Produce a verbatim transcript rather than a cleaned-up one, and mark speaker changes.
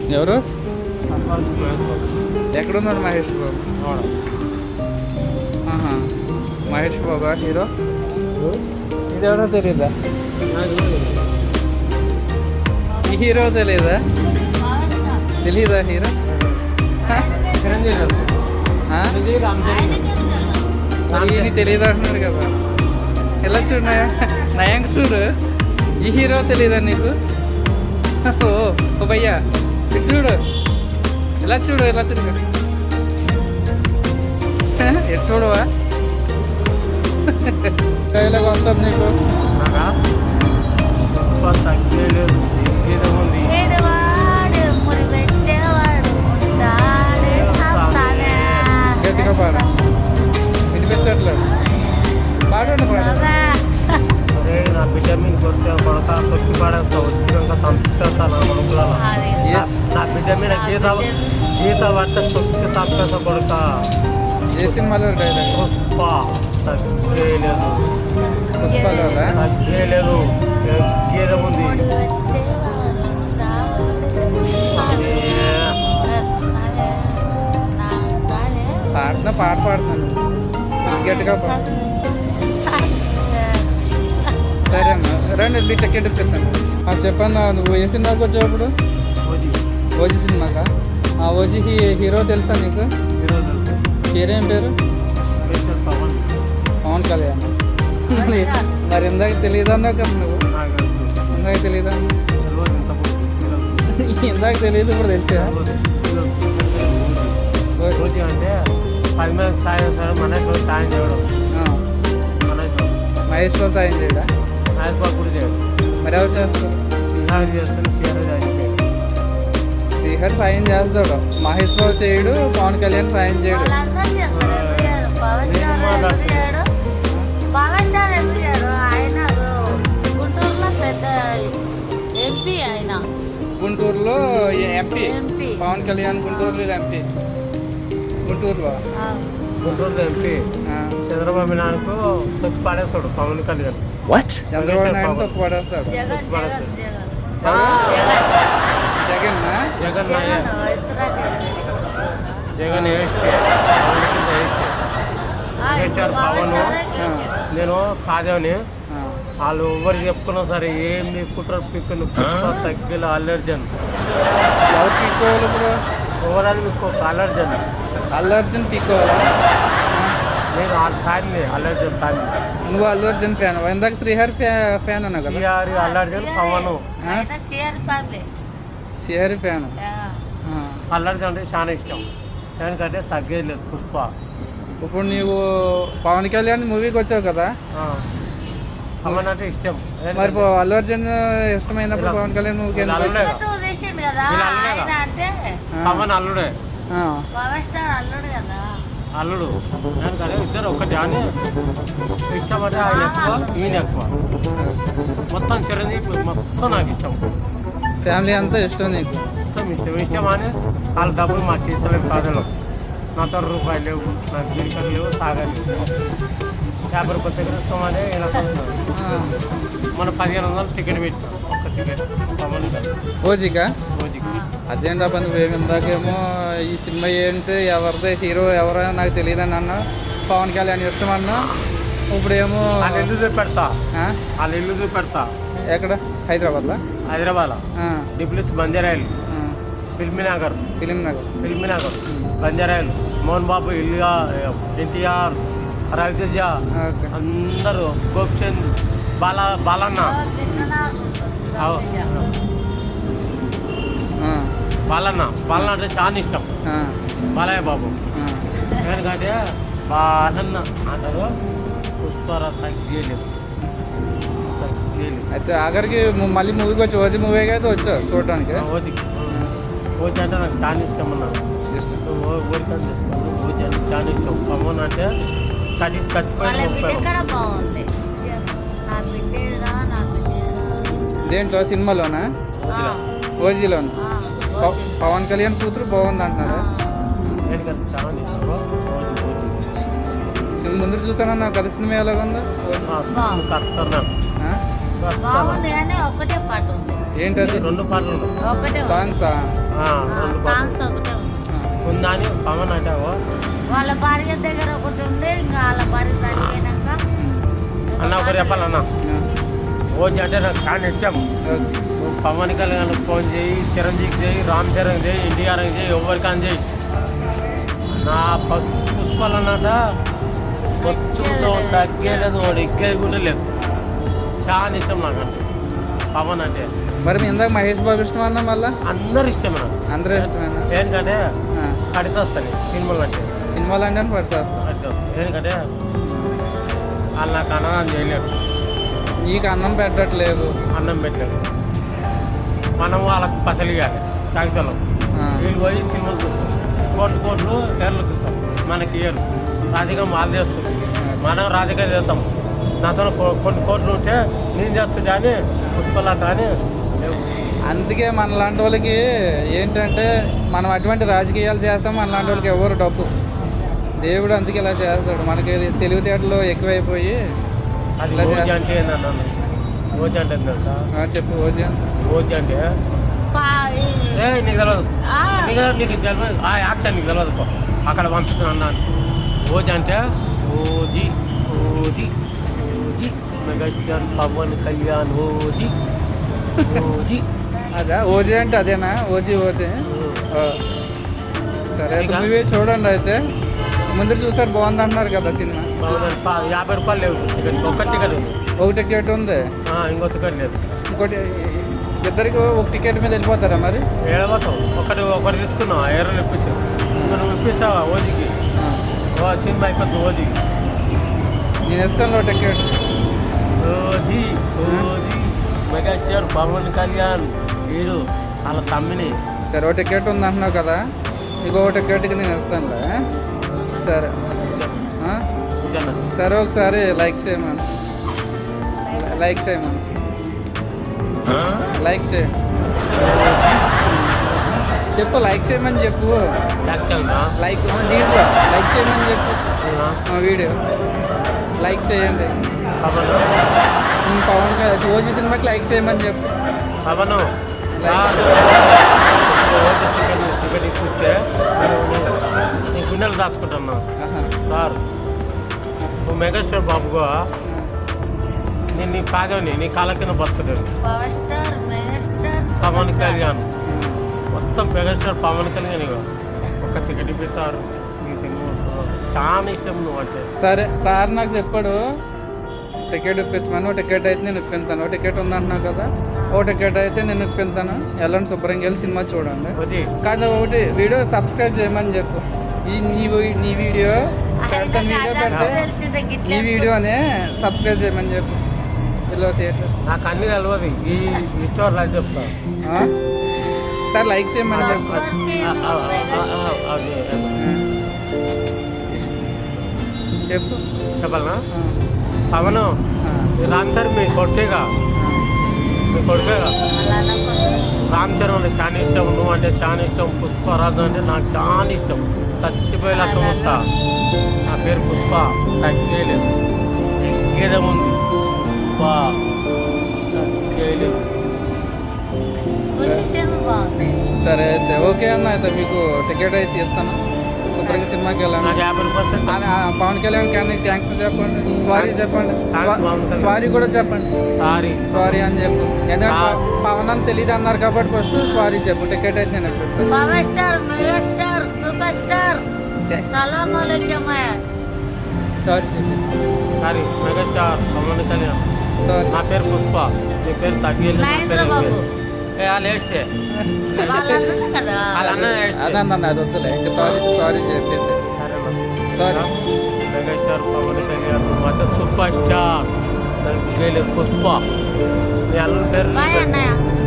Speaker 1: ఎవరు? ఎక్కడున్నాడు మహేష్ బాబు? ఆహా, మహేష్ బాబా హీరో? ఇది ఎవడో తెలీదా? ఈ హీరో తెలీదా? తెలీదా హీరో? మరి ఈయన తెలియదు అంటున్నాడు కదా. ఎలా చూడు నయాంక్ చూడు, ఈ హీరో తెలీదా నీకు? ఓ ఓ భయ్యా ఇటు చూడు, ఎలా చూడు, ఎలా తిరుగు, ఎటు చూడవా? కైలాగ వస్తుంది నీకు. గట్టిగా పాడు, వినిపించట్లేదు. పాడండి పాడు.
Speaker 2: నా బిడ్డ మీద కొడితే కొడక కొట్టి పాడేస్తా వచ్చినాక సంస్కృత నా కొడుకుల నా బిడ్డ మీద గీత గీత పడితే కొట్టి సంస్కృత కొడుక.
Speaker 1: ఏ సినిమాలో డైలాగ్?
Speaker 2: పుష్ప తగ్గేయలేదు,
Speaker 1: పుష్పలో
Speaker 2: తగ్గేయలేదు, గీత ఉంది.
Speaker 1: పాడుతున్నా, పాట పాడుతున్నాను, గట్టిగా పాడు. సరే అన్న, రండి మీ టికెట్ ఇప్పిస్తాను. చెప్పన్నా, నువ్వు ఏ సినిమాకి వచ్చావు ఇప్పుడు? ఓజీ సినిమాకా? ఓజీ హీ హీరో తెలుసా నీకు? పేరేం పేరు? పవన్ కళ్యాణ్. మరి ఇందాక తెలియదు అన్నావు కదా నువ్వు. ఇందాక తెలియదా? ఇందాక తెలియదు, ఇప్పుడు తెలిసా?
Speaker 2: అంటే పది మంది సాయం సరే మహేష్ బాబు సాయం చేయడం.
Speaker 1: మహేష్ బాబు సాయం చేయడా?
Speaker 2: మహేష్ బాబు కూడా చేయడం.
Speaker 1: మరి ఎవరు చేస్తారు?
Speaker 2: శ్రీహరి చేస్తాడు. శ్రీహరి
Speaker 1: శ్రీహరి సాయం చేస్తాడు, మహేష్ బాబు చేయడు, పవన్ కళ్యాణ్ సాయం చేయడు. గుంటూరులో ఎంపీ పవన్ కళ్యాణ్, గుంటూరులో ఎంపీ. గుంటూరులో
Speaker 2: గుంటూరులో ఎంపీ చంద్రబాబు నాయుడుకు తొక్కి పాడేస్తాడు పవన్ కళ్యాణ్.
Speaker 1: చంద్రబాబు నాయుడు తొక్కి పడేస్తాడు. జగన్
Speaker 2: జగన్ జగన్ వేస్తే పవన్ కింద వేస్తే వేస్తారు పవన్. నేను కాదేవని వాళ్ళు ఎవరు చెప్పుకున్నా సరే ఏం కుట్ర పిక్కులు తగ్గిల అల్లర్జన్.
Speaker 1: ఎవరు పీక్కోవాలి ఇప్పుడు?
Speaker 2: ఓవరాల్ మీకు అల్లర్జన్.
Speaker 1: అల్లర్జున్ పీక్కోవాలా?
Speaker 2: నేను ఆ ఫ్యామిలీ అల్లర్జన్ ఫ్యామిలీ.
Speaker 1: నువ్వు అల్లు అర్జున్ ఫ్యాన్? ఇందాక శ్రీహరి ఫ్యాన్ అన్నా కదా.
Speaker 2: శ్రీహరి అల్లర్జన్ పవన్
Speaker 1: శ్రీహరి ఫ్యాన్.
Speaker 2: అల్లర్జన్ అంటే చాలా ఇష్టం, ఎందుకంటే తగ్గేది లేదు పుష్ప.
Speaker 1: ఇప్పుడు నీవు పవన్ కళ్యాణ్ మూవీకి వచ్చావు కదా,
Speaker 2: పవన్ అంటే ఇష్టం.
Speaker 1: మరి అల్లు అర్జున్ ఇష్టమైనప్పుడు పవన్ కళ్యాణ్ మూవీకి
Speaker 2: పవన్ అల్లుడే అల్లుడు. ఎందుకంటే ఇద్దరు ఒకటి అని ఇష్టపడితే ఆయన ఎక్కువ ఈయన ఎక్కువ. మొత్తం చిరంజీవి మొత్తం నాకు ఇష్టం.
Speaker 1: ఫ్యామిలీ అంతా ఇష్టం నీకు?
Speaker 2: మొత్తం ఇష్టం. ఇష్టం అని వాళ్ళ డబ్బులు మాకు ఇస్తలేము కాదలో. నాతో రూపాయలు లేవు, నాకు గిరికలు లేవు, సాగాలి యాభై రూపాయల దగ్గర ఇస్తామని ఇలా మన పదిహేను వందలు టికెట్ పెట్టాం ఒక్క టికెట్ పవన్
Speaker 1: ఓజీకా?
Speaker 2: ఓజీకి.
Speaker 1: అదేంటప్ప నువ్వేమి ఇందాకేమో ఈ సినిమా ఏంటి, ఎవరిదే హీరో ఎవరో నాకు తెలియదని అన్నా, పవన్ కళ్యాణ్ ఇష్టం అన్నా, ఇప్పుడేమో
Speaker 2: వాళ్ళ ఇల్లు చూపెడతా. వాళ్ళ ఇల్లు చూపెడతా.
Speaker 1: ఎక్కడ? హైదరాబాద్లో?
Speaker 2: హైదరాబాద్ డిప్లెక్స్ బంజారాయిల్, ఫిల్మీ నగర్.
Speaker 1: ఫిలిం నగర్
Speaker 2: ఫిల్మీ నగర్ బంజారాయిల్. మోహన్ బాబు ఇల్లుగా, ఎన్టీఆర్, రవితేజ అందరూ, గోపిచంద్, బాల బాలన్న బాలన్న బాలన్న అంటే చాలా ఇష్టం. బాలయ్య బాబు ఎందుకంటే బాలన్న అంటారు. పుష్పర తగ్గేలేదు తగ్గేలేదు.
Speaker 1: అయితే ఆఖరికి మళ్ళీ మూవీకి వచ్చి ఓజీ మూవీ అయితే వచ్చావు చూడడానికి?
Speaker 2: ఓజీ ఓజీ అంటే నాకు చాలా ఇష్టం అన్నాను. ఇష్టం ఓరికని తీసుకోండి. ఓజీ అంటే చాలా ఇష్టం. పవన్ అంటే కడి చచ్చిపోయింది.
Speaker 1: దేంట్లో? సినిమాలోనా? ఓజీలోనా? పవన్ కళ్యాణ్ కూతురు బాగుంది అంటున్నారా? ముందు చూసానన్నా కదా సినిమా ఎలాగుందో? ఏంటది
Speaker 2: రెండు పాటలు ఉన్నాయి.
Speaker 3: ఒకటే ఉంది.
Speaker 1: సాంగ్సా
Speaker 2: ఆ, రెండు పాటలు
Speaker 3: సాంగ్స్ ఒకటే ఉంది.
Speaker 2: ఉందా అని పవన్ అంటావు
Speaker 3: వాళ్ళ భార్య దగ్గర ఒకటి ఉంది, ఇంకా వాళ్ళ భార్య చనిపోయినాక
Speaker 2: అన్న ఒకటి చెప్పాలన్నా ఓజీ అంటే నాకు చాలా ఇష్టం. నువ్వు పవన్ కళ్యాణ్ ఫోన్ చేయి, చిరంజీవి చేయి, రామ్ చరణ్ చేయి, ఎన్టీఆర్ చేయి, ఎవరికైనా చేయి. నా పసు పుష్పాలు అన్నట వచ్చుతో తగ్గేలేదు, వాడు ఎక్కేది కూడా లేదు. చాలా ఇష్టం నాకు అంటే పవన్ అంటే.
Speaker 1: మరి మీ ఇందాక మహేష్ బాబు ఇష్టం అన్నా మళ్ళా
Speaker 2: అందరు ఇష్టం నాకు.
Speaker 1: అందరూ ఇష్టమేనా
Speaker 2: ఎందుకంటే కడితే వస్తాయి సినిమాలు అంటే
Speaker 1: సినిమాలు అంటే పరిచేస్తా
Speaker 2: కడితే ఎందుకంటే వాళ్ళు నాకు అన్నదానం చేయలేరు,
Speaker 1: నీకు అన్నం పెట్టట్లేదు.
Speaker 2: అన్నం పెట్టలేరు. మనం వాళ్ళకు పసలు ఇవ్వాలి సాగిసలం. వీళ్ళు పోయి సినిమాలు చూస్తాం, కోట్లు కోట్లు ఏర్లు చూస్తాం, మనకి ఇయ్యరు. రాజకీయం వాళ్ళు చేస్తుంది, మనం రాజకీయం చేస్తాం. నాతో కొ- కొన్ని కోట్లు ఉంటే నేను చేస్తుంటే అని పుష్పలత అని లేవు.
Speaker 1: అందుకే మన లాంటి వాళ్ళకి ఏంటంటే మనం అటువంటి రాజకీయాలు చేస్తాం, మన లాంటి వాళ్ళకి ఎవరు డబ్బు దేవుడు అందుకే ఇలా చేస్తాడు. మనకి తెలివితేటలు ఎక్కువైపోయి
Speaker 2: అది
Speaker 1: ఇలా
Speaker 2: ఓజీ
Speaker 1: చేస్తా-
Speaker 2: అంటే ఏంటన్నా ఓజీ అంటే ఏంటంట
Speaker 1: ఆ, చెప్పు ఓజీ
Speaker 2: ఓజీ అంటే
Speaker 3: పా- ఈ-
Speaker 2: ఏ నీకు తెలియదు,
Speaker 3: ఆ,
Speaker 2: నీకు నీకు తెలియదు ఆ యాక్షన్ నీకు తెలియదు పో. అక్కడ పంపిస్తున్నా ఓజీ అంటే OG OG OG megastar Pawan Kalyan OG OG.
Speaker 1: అదా ఓజీ అంటే అదేనా ఓజీ ఓజీ ఆ. సరే అయితే
Speaker 2: ఇంకా?
Speaker 1: మూవీ చూడండి అయితే. ముందు చూస్తారు బాగుంది అంటున్నారు కదా సినిమా.
Speaker 2: బాగుంది. పా- యాభై రూపాయలు లేవు టికెట్, ఒక్క టికెట్ ఉంది.
Speaker 1: ఒక టికెట్ ఉంది,
Speaker 2: ఆ, ఇంకో టికెట్ లేదు.
Speaker 1: ఇంకోటి ఇద్దరికి ఒక టికెట్ మీద వెళ్ళిపోతారా మరి?
Speaker 2: ఏడవతావు ఒకటి ఒకటి తీసుకున్నావు, ఏరలు ఇప్పించావు. ఇంకా నువ్వు ఇప్పిస్తావా ఓజీకి?
Speaker 1: ఆ.
Speaker 2: ఓ సినిమా అయిపోతుంది ఓజీకి.
Speaker 1: నేను ఇస్తాను ఒక ticket.
Speaker 2: OG OG megastar Pawan Kalyan వీడు వాళ్ళ తమ్మిని.
Speaker 1: సరే ఒక టికెట్ ఉంది అంటున్నావు కదా, ఇంకో టికెట్కి నేను ఇస్తానులే. సరే ఆ?
Speaker 2: ఇంకన్నా
Speaker 1: సరే ఒకసారి లైక్ చేయమను, లైక్ చేయమను, లైక్ చేయ చెప్పు, లైక్ చేయమని చెప్పు.
Speaker 2: నెక్స్ట్ అయిందా
Speaker 1: లైక్ దీంట్లో లైక్ చేయమని చెప్పు. మా వీడియో లైక్ చేయండి.
Speaker 2: పవన్
Speaker 1: ఉమ్, పవన్ కళ్యాణ్ ఓజీ సినిమాకి లైక్ చేయమని చెప్పు.
Speaker 2: Pawan
Speaker 1: like.
Speaker 2: OG ticket ticket ఇప్పిస్తే నేను నీ గుండెలు దాచుకుంటున్నా
Speaker 1: ఆహా.
Speaker 2: సార్. నువ్వు మెగాస్టార్ బాబుగా నేను నీ కాదని నీ కాళ్ళ కింద బతుకుతాను.
Speaker 3: Power star megastar
Speaker 2: Pawan
Speaker 3: super star.
Speaker 2: Kalyan మొత్తం మెగాస్టార్ పవన్ కళ్యాణ్ ఇక ఒక టికెట్ ఇప్పిస్తారు. నీ సినిమా వస్తుంది. చాలా ఇష్టం నువ్వు అంటే.
Speaker 1: సరే సార్ నాకు చెప్పాడు టికెట్ ఇప్పించమని. ఓ టికెట్ అయితే నేను ఇప్పిస్తాను. ఓ టికెట్ ఉందంటున్నావు కదా, ఓ టికెట్ అయితే నేను ఇప్పిస్తాను. వెళ్ళండి శుభ్రంగా వెళ్ళి సినిమా చూడండి.
Speaker 2: అది
Speaker 1: కానీ ఒకటి వీడియో సబ్స్క్రైబ్ చేయమని చెప్పు. ఈ నీ వీ- నీ వీడియో పెడతా,
Speaker 3: ఆయన
Speaker 1: వీడియో
Speaker 3: కాదా
Speaker 1: పెడితే
Speaker 3: తెలిసిందే గిట్ల
Speaker 1: ఈ వీడియోనే సబ్స్క్రైబ్ చేయమని చెప్పు. ఇలా చేయట్లేదు.
Speaker 2: నాకు అన్ని తెలియదు. ఈ ఈ స్టోర్ అని చెప్తా.
Speaker 1: ఆ? సార్ లైక్ చేయమని చెప్పు.
Speaker 2: ఆ, ఆ, ఆ, ఆ, అది
Speaker 1: చెప్పు.
Speaker 2: చెప్పాలనా
Speaker 1: ఆ,
Speaker 2: పవన్
Speaker 1: ఆ,
Speaker 2: రామ్ చరణ్ మీ కొడుకేగా, మీ కొడుకేగా.
Speaker 3: అలా అనకూడదు.
Speaker 2: రామ్ చరణ్ అంటే చాలా ఇష్టం, నువ్వు అంటే చాలా ఇష్టం, పుష్పరాజు అంటే నాకు చాలా ఇష్టం. చచ్చిపోయేలాగా ఉంటా. నా పేరు పుష్ప, తగ్గేలేదు, ఎగ్గేదేముంది బా తగ్గేలేదు.
Speaker 3: పొజిషన్ బాగుంది.
Speaker 1: సరే అయితే ఓకే అన్న. అయితే మీకు టికెట్ అయితే ఇస్తాను. శుభ్రంగా సినిమాకి వెళ్ళండి.
Speaker 2: నాకు యాభై రూపాయలు సెట్.
Speaker 1: ఆ, ఆ, పవన్ కళ్యాణ్ కానీ థ్యాంక్స్ చెప్పండి, సారీ చెప్పండి,
Speaker 2: థాంక్స్ పవన్ కళ్యాణ్.
Speaker 1: సారీ కూడా చెప్పండి.
Speaker 2: సారీ
Speaker 1: సారీ అని చెప్పు. ఎందుకంటే
Speaker 2: ఆ.
Speaker 1: ప- పవన్ అని తెలియదు అన్నారు కాబట్టి ఫస్ట్ సారీ చెప్పు. టికెట్ అయితే నేను ఇప్పిస్తాను.
Speaker 3: Power star megastar super star సలాం అలైకుం.
Speaker 1: సారీ చెప్పు.
Speaker 2: Sorry megastar Pawan Kalyan.
Speaker 1: Sorry.
Speaker 2: నా పేరు పుష్ప, నీ పేరు తగ్గేలేదు. నా
Speaker 3: మహేంద్ర
Speaker 2: పేరు
Speaker 3: బాబు.
Speaker 2: ఎగ్గేలేదు. ఏ వాళ్ళు వేస్తే
Speaker 3: వాళ్ళందరూ కదా
Speaker 2: వాళ్ళ అన్న వేస్తే
Speaker 1: అదన్న అది వద్దులే ఇంకా సారీ సారీ చెప్పేసి.
Speaker 2: సరే మెగాస్టార్ పవన్ కళ్యాణ్ మొత్తం సూపర్ స్టార్ తగ్గేలేదు పుష్ప. నీ అన్న పేరు
Speaker 3: బాయ్ అన్నయ్య.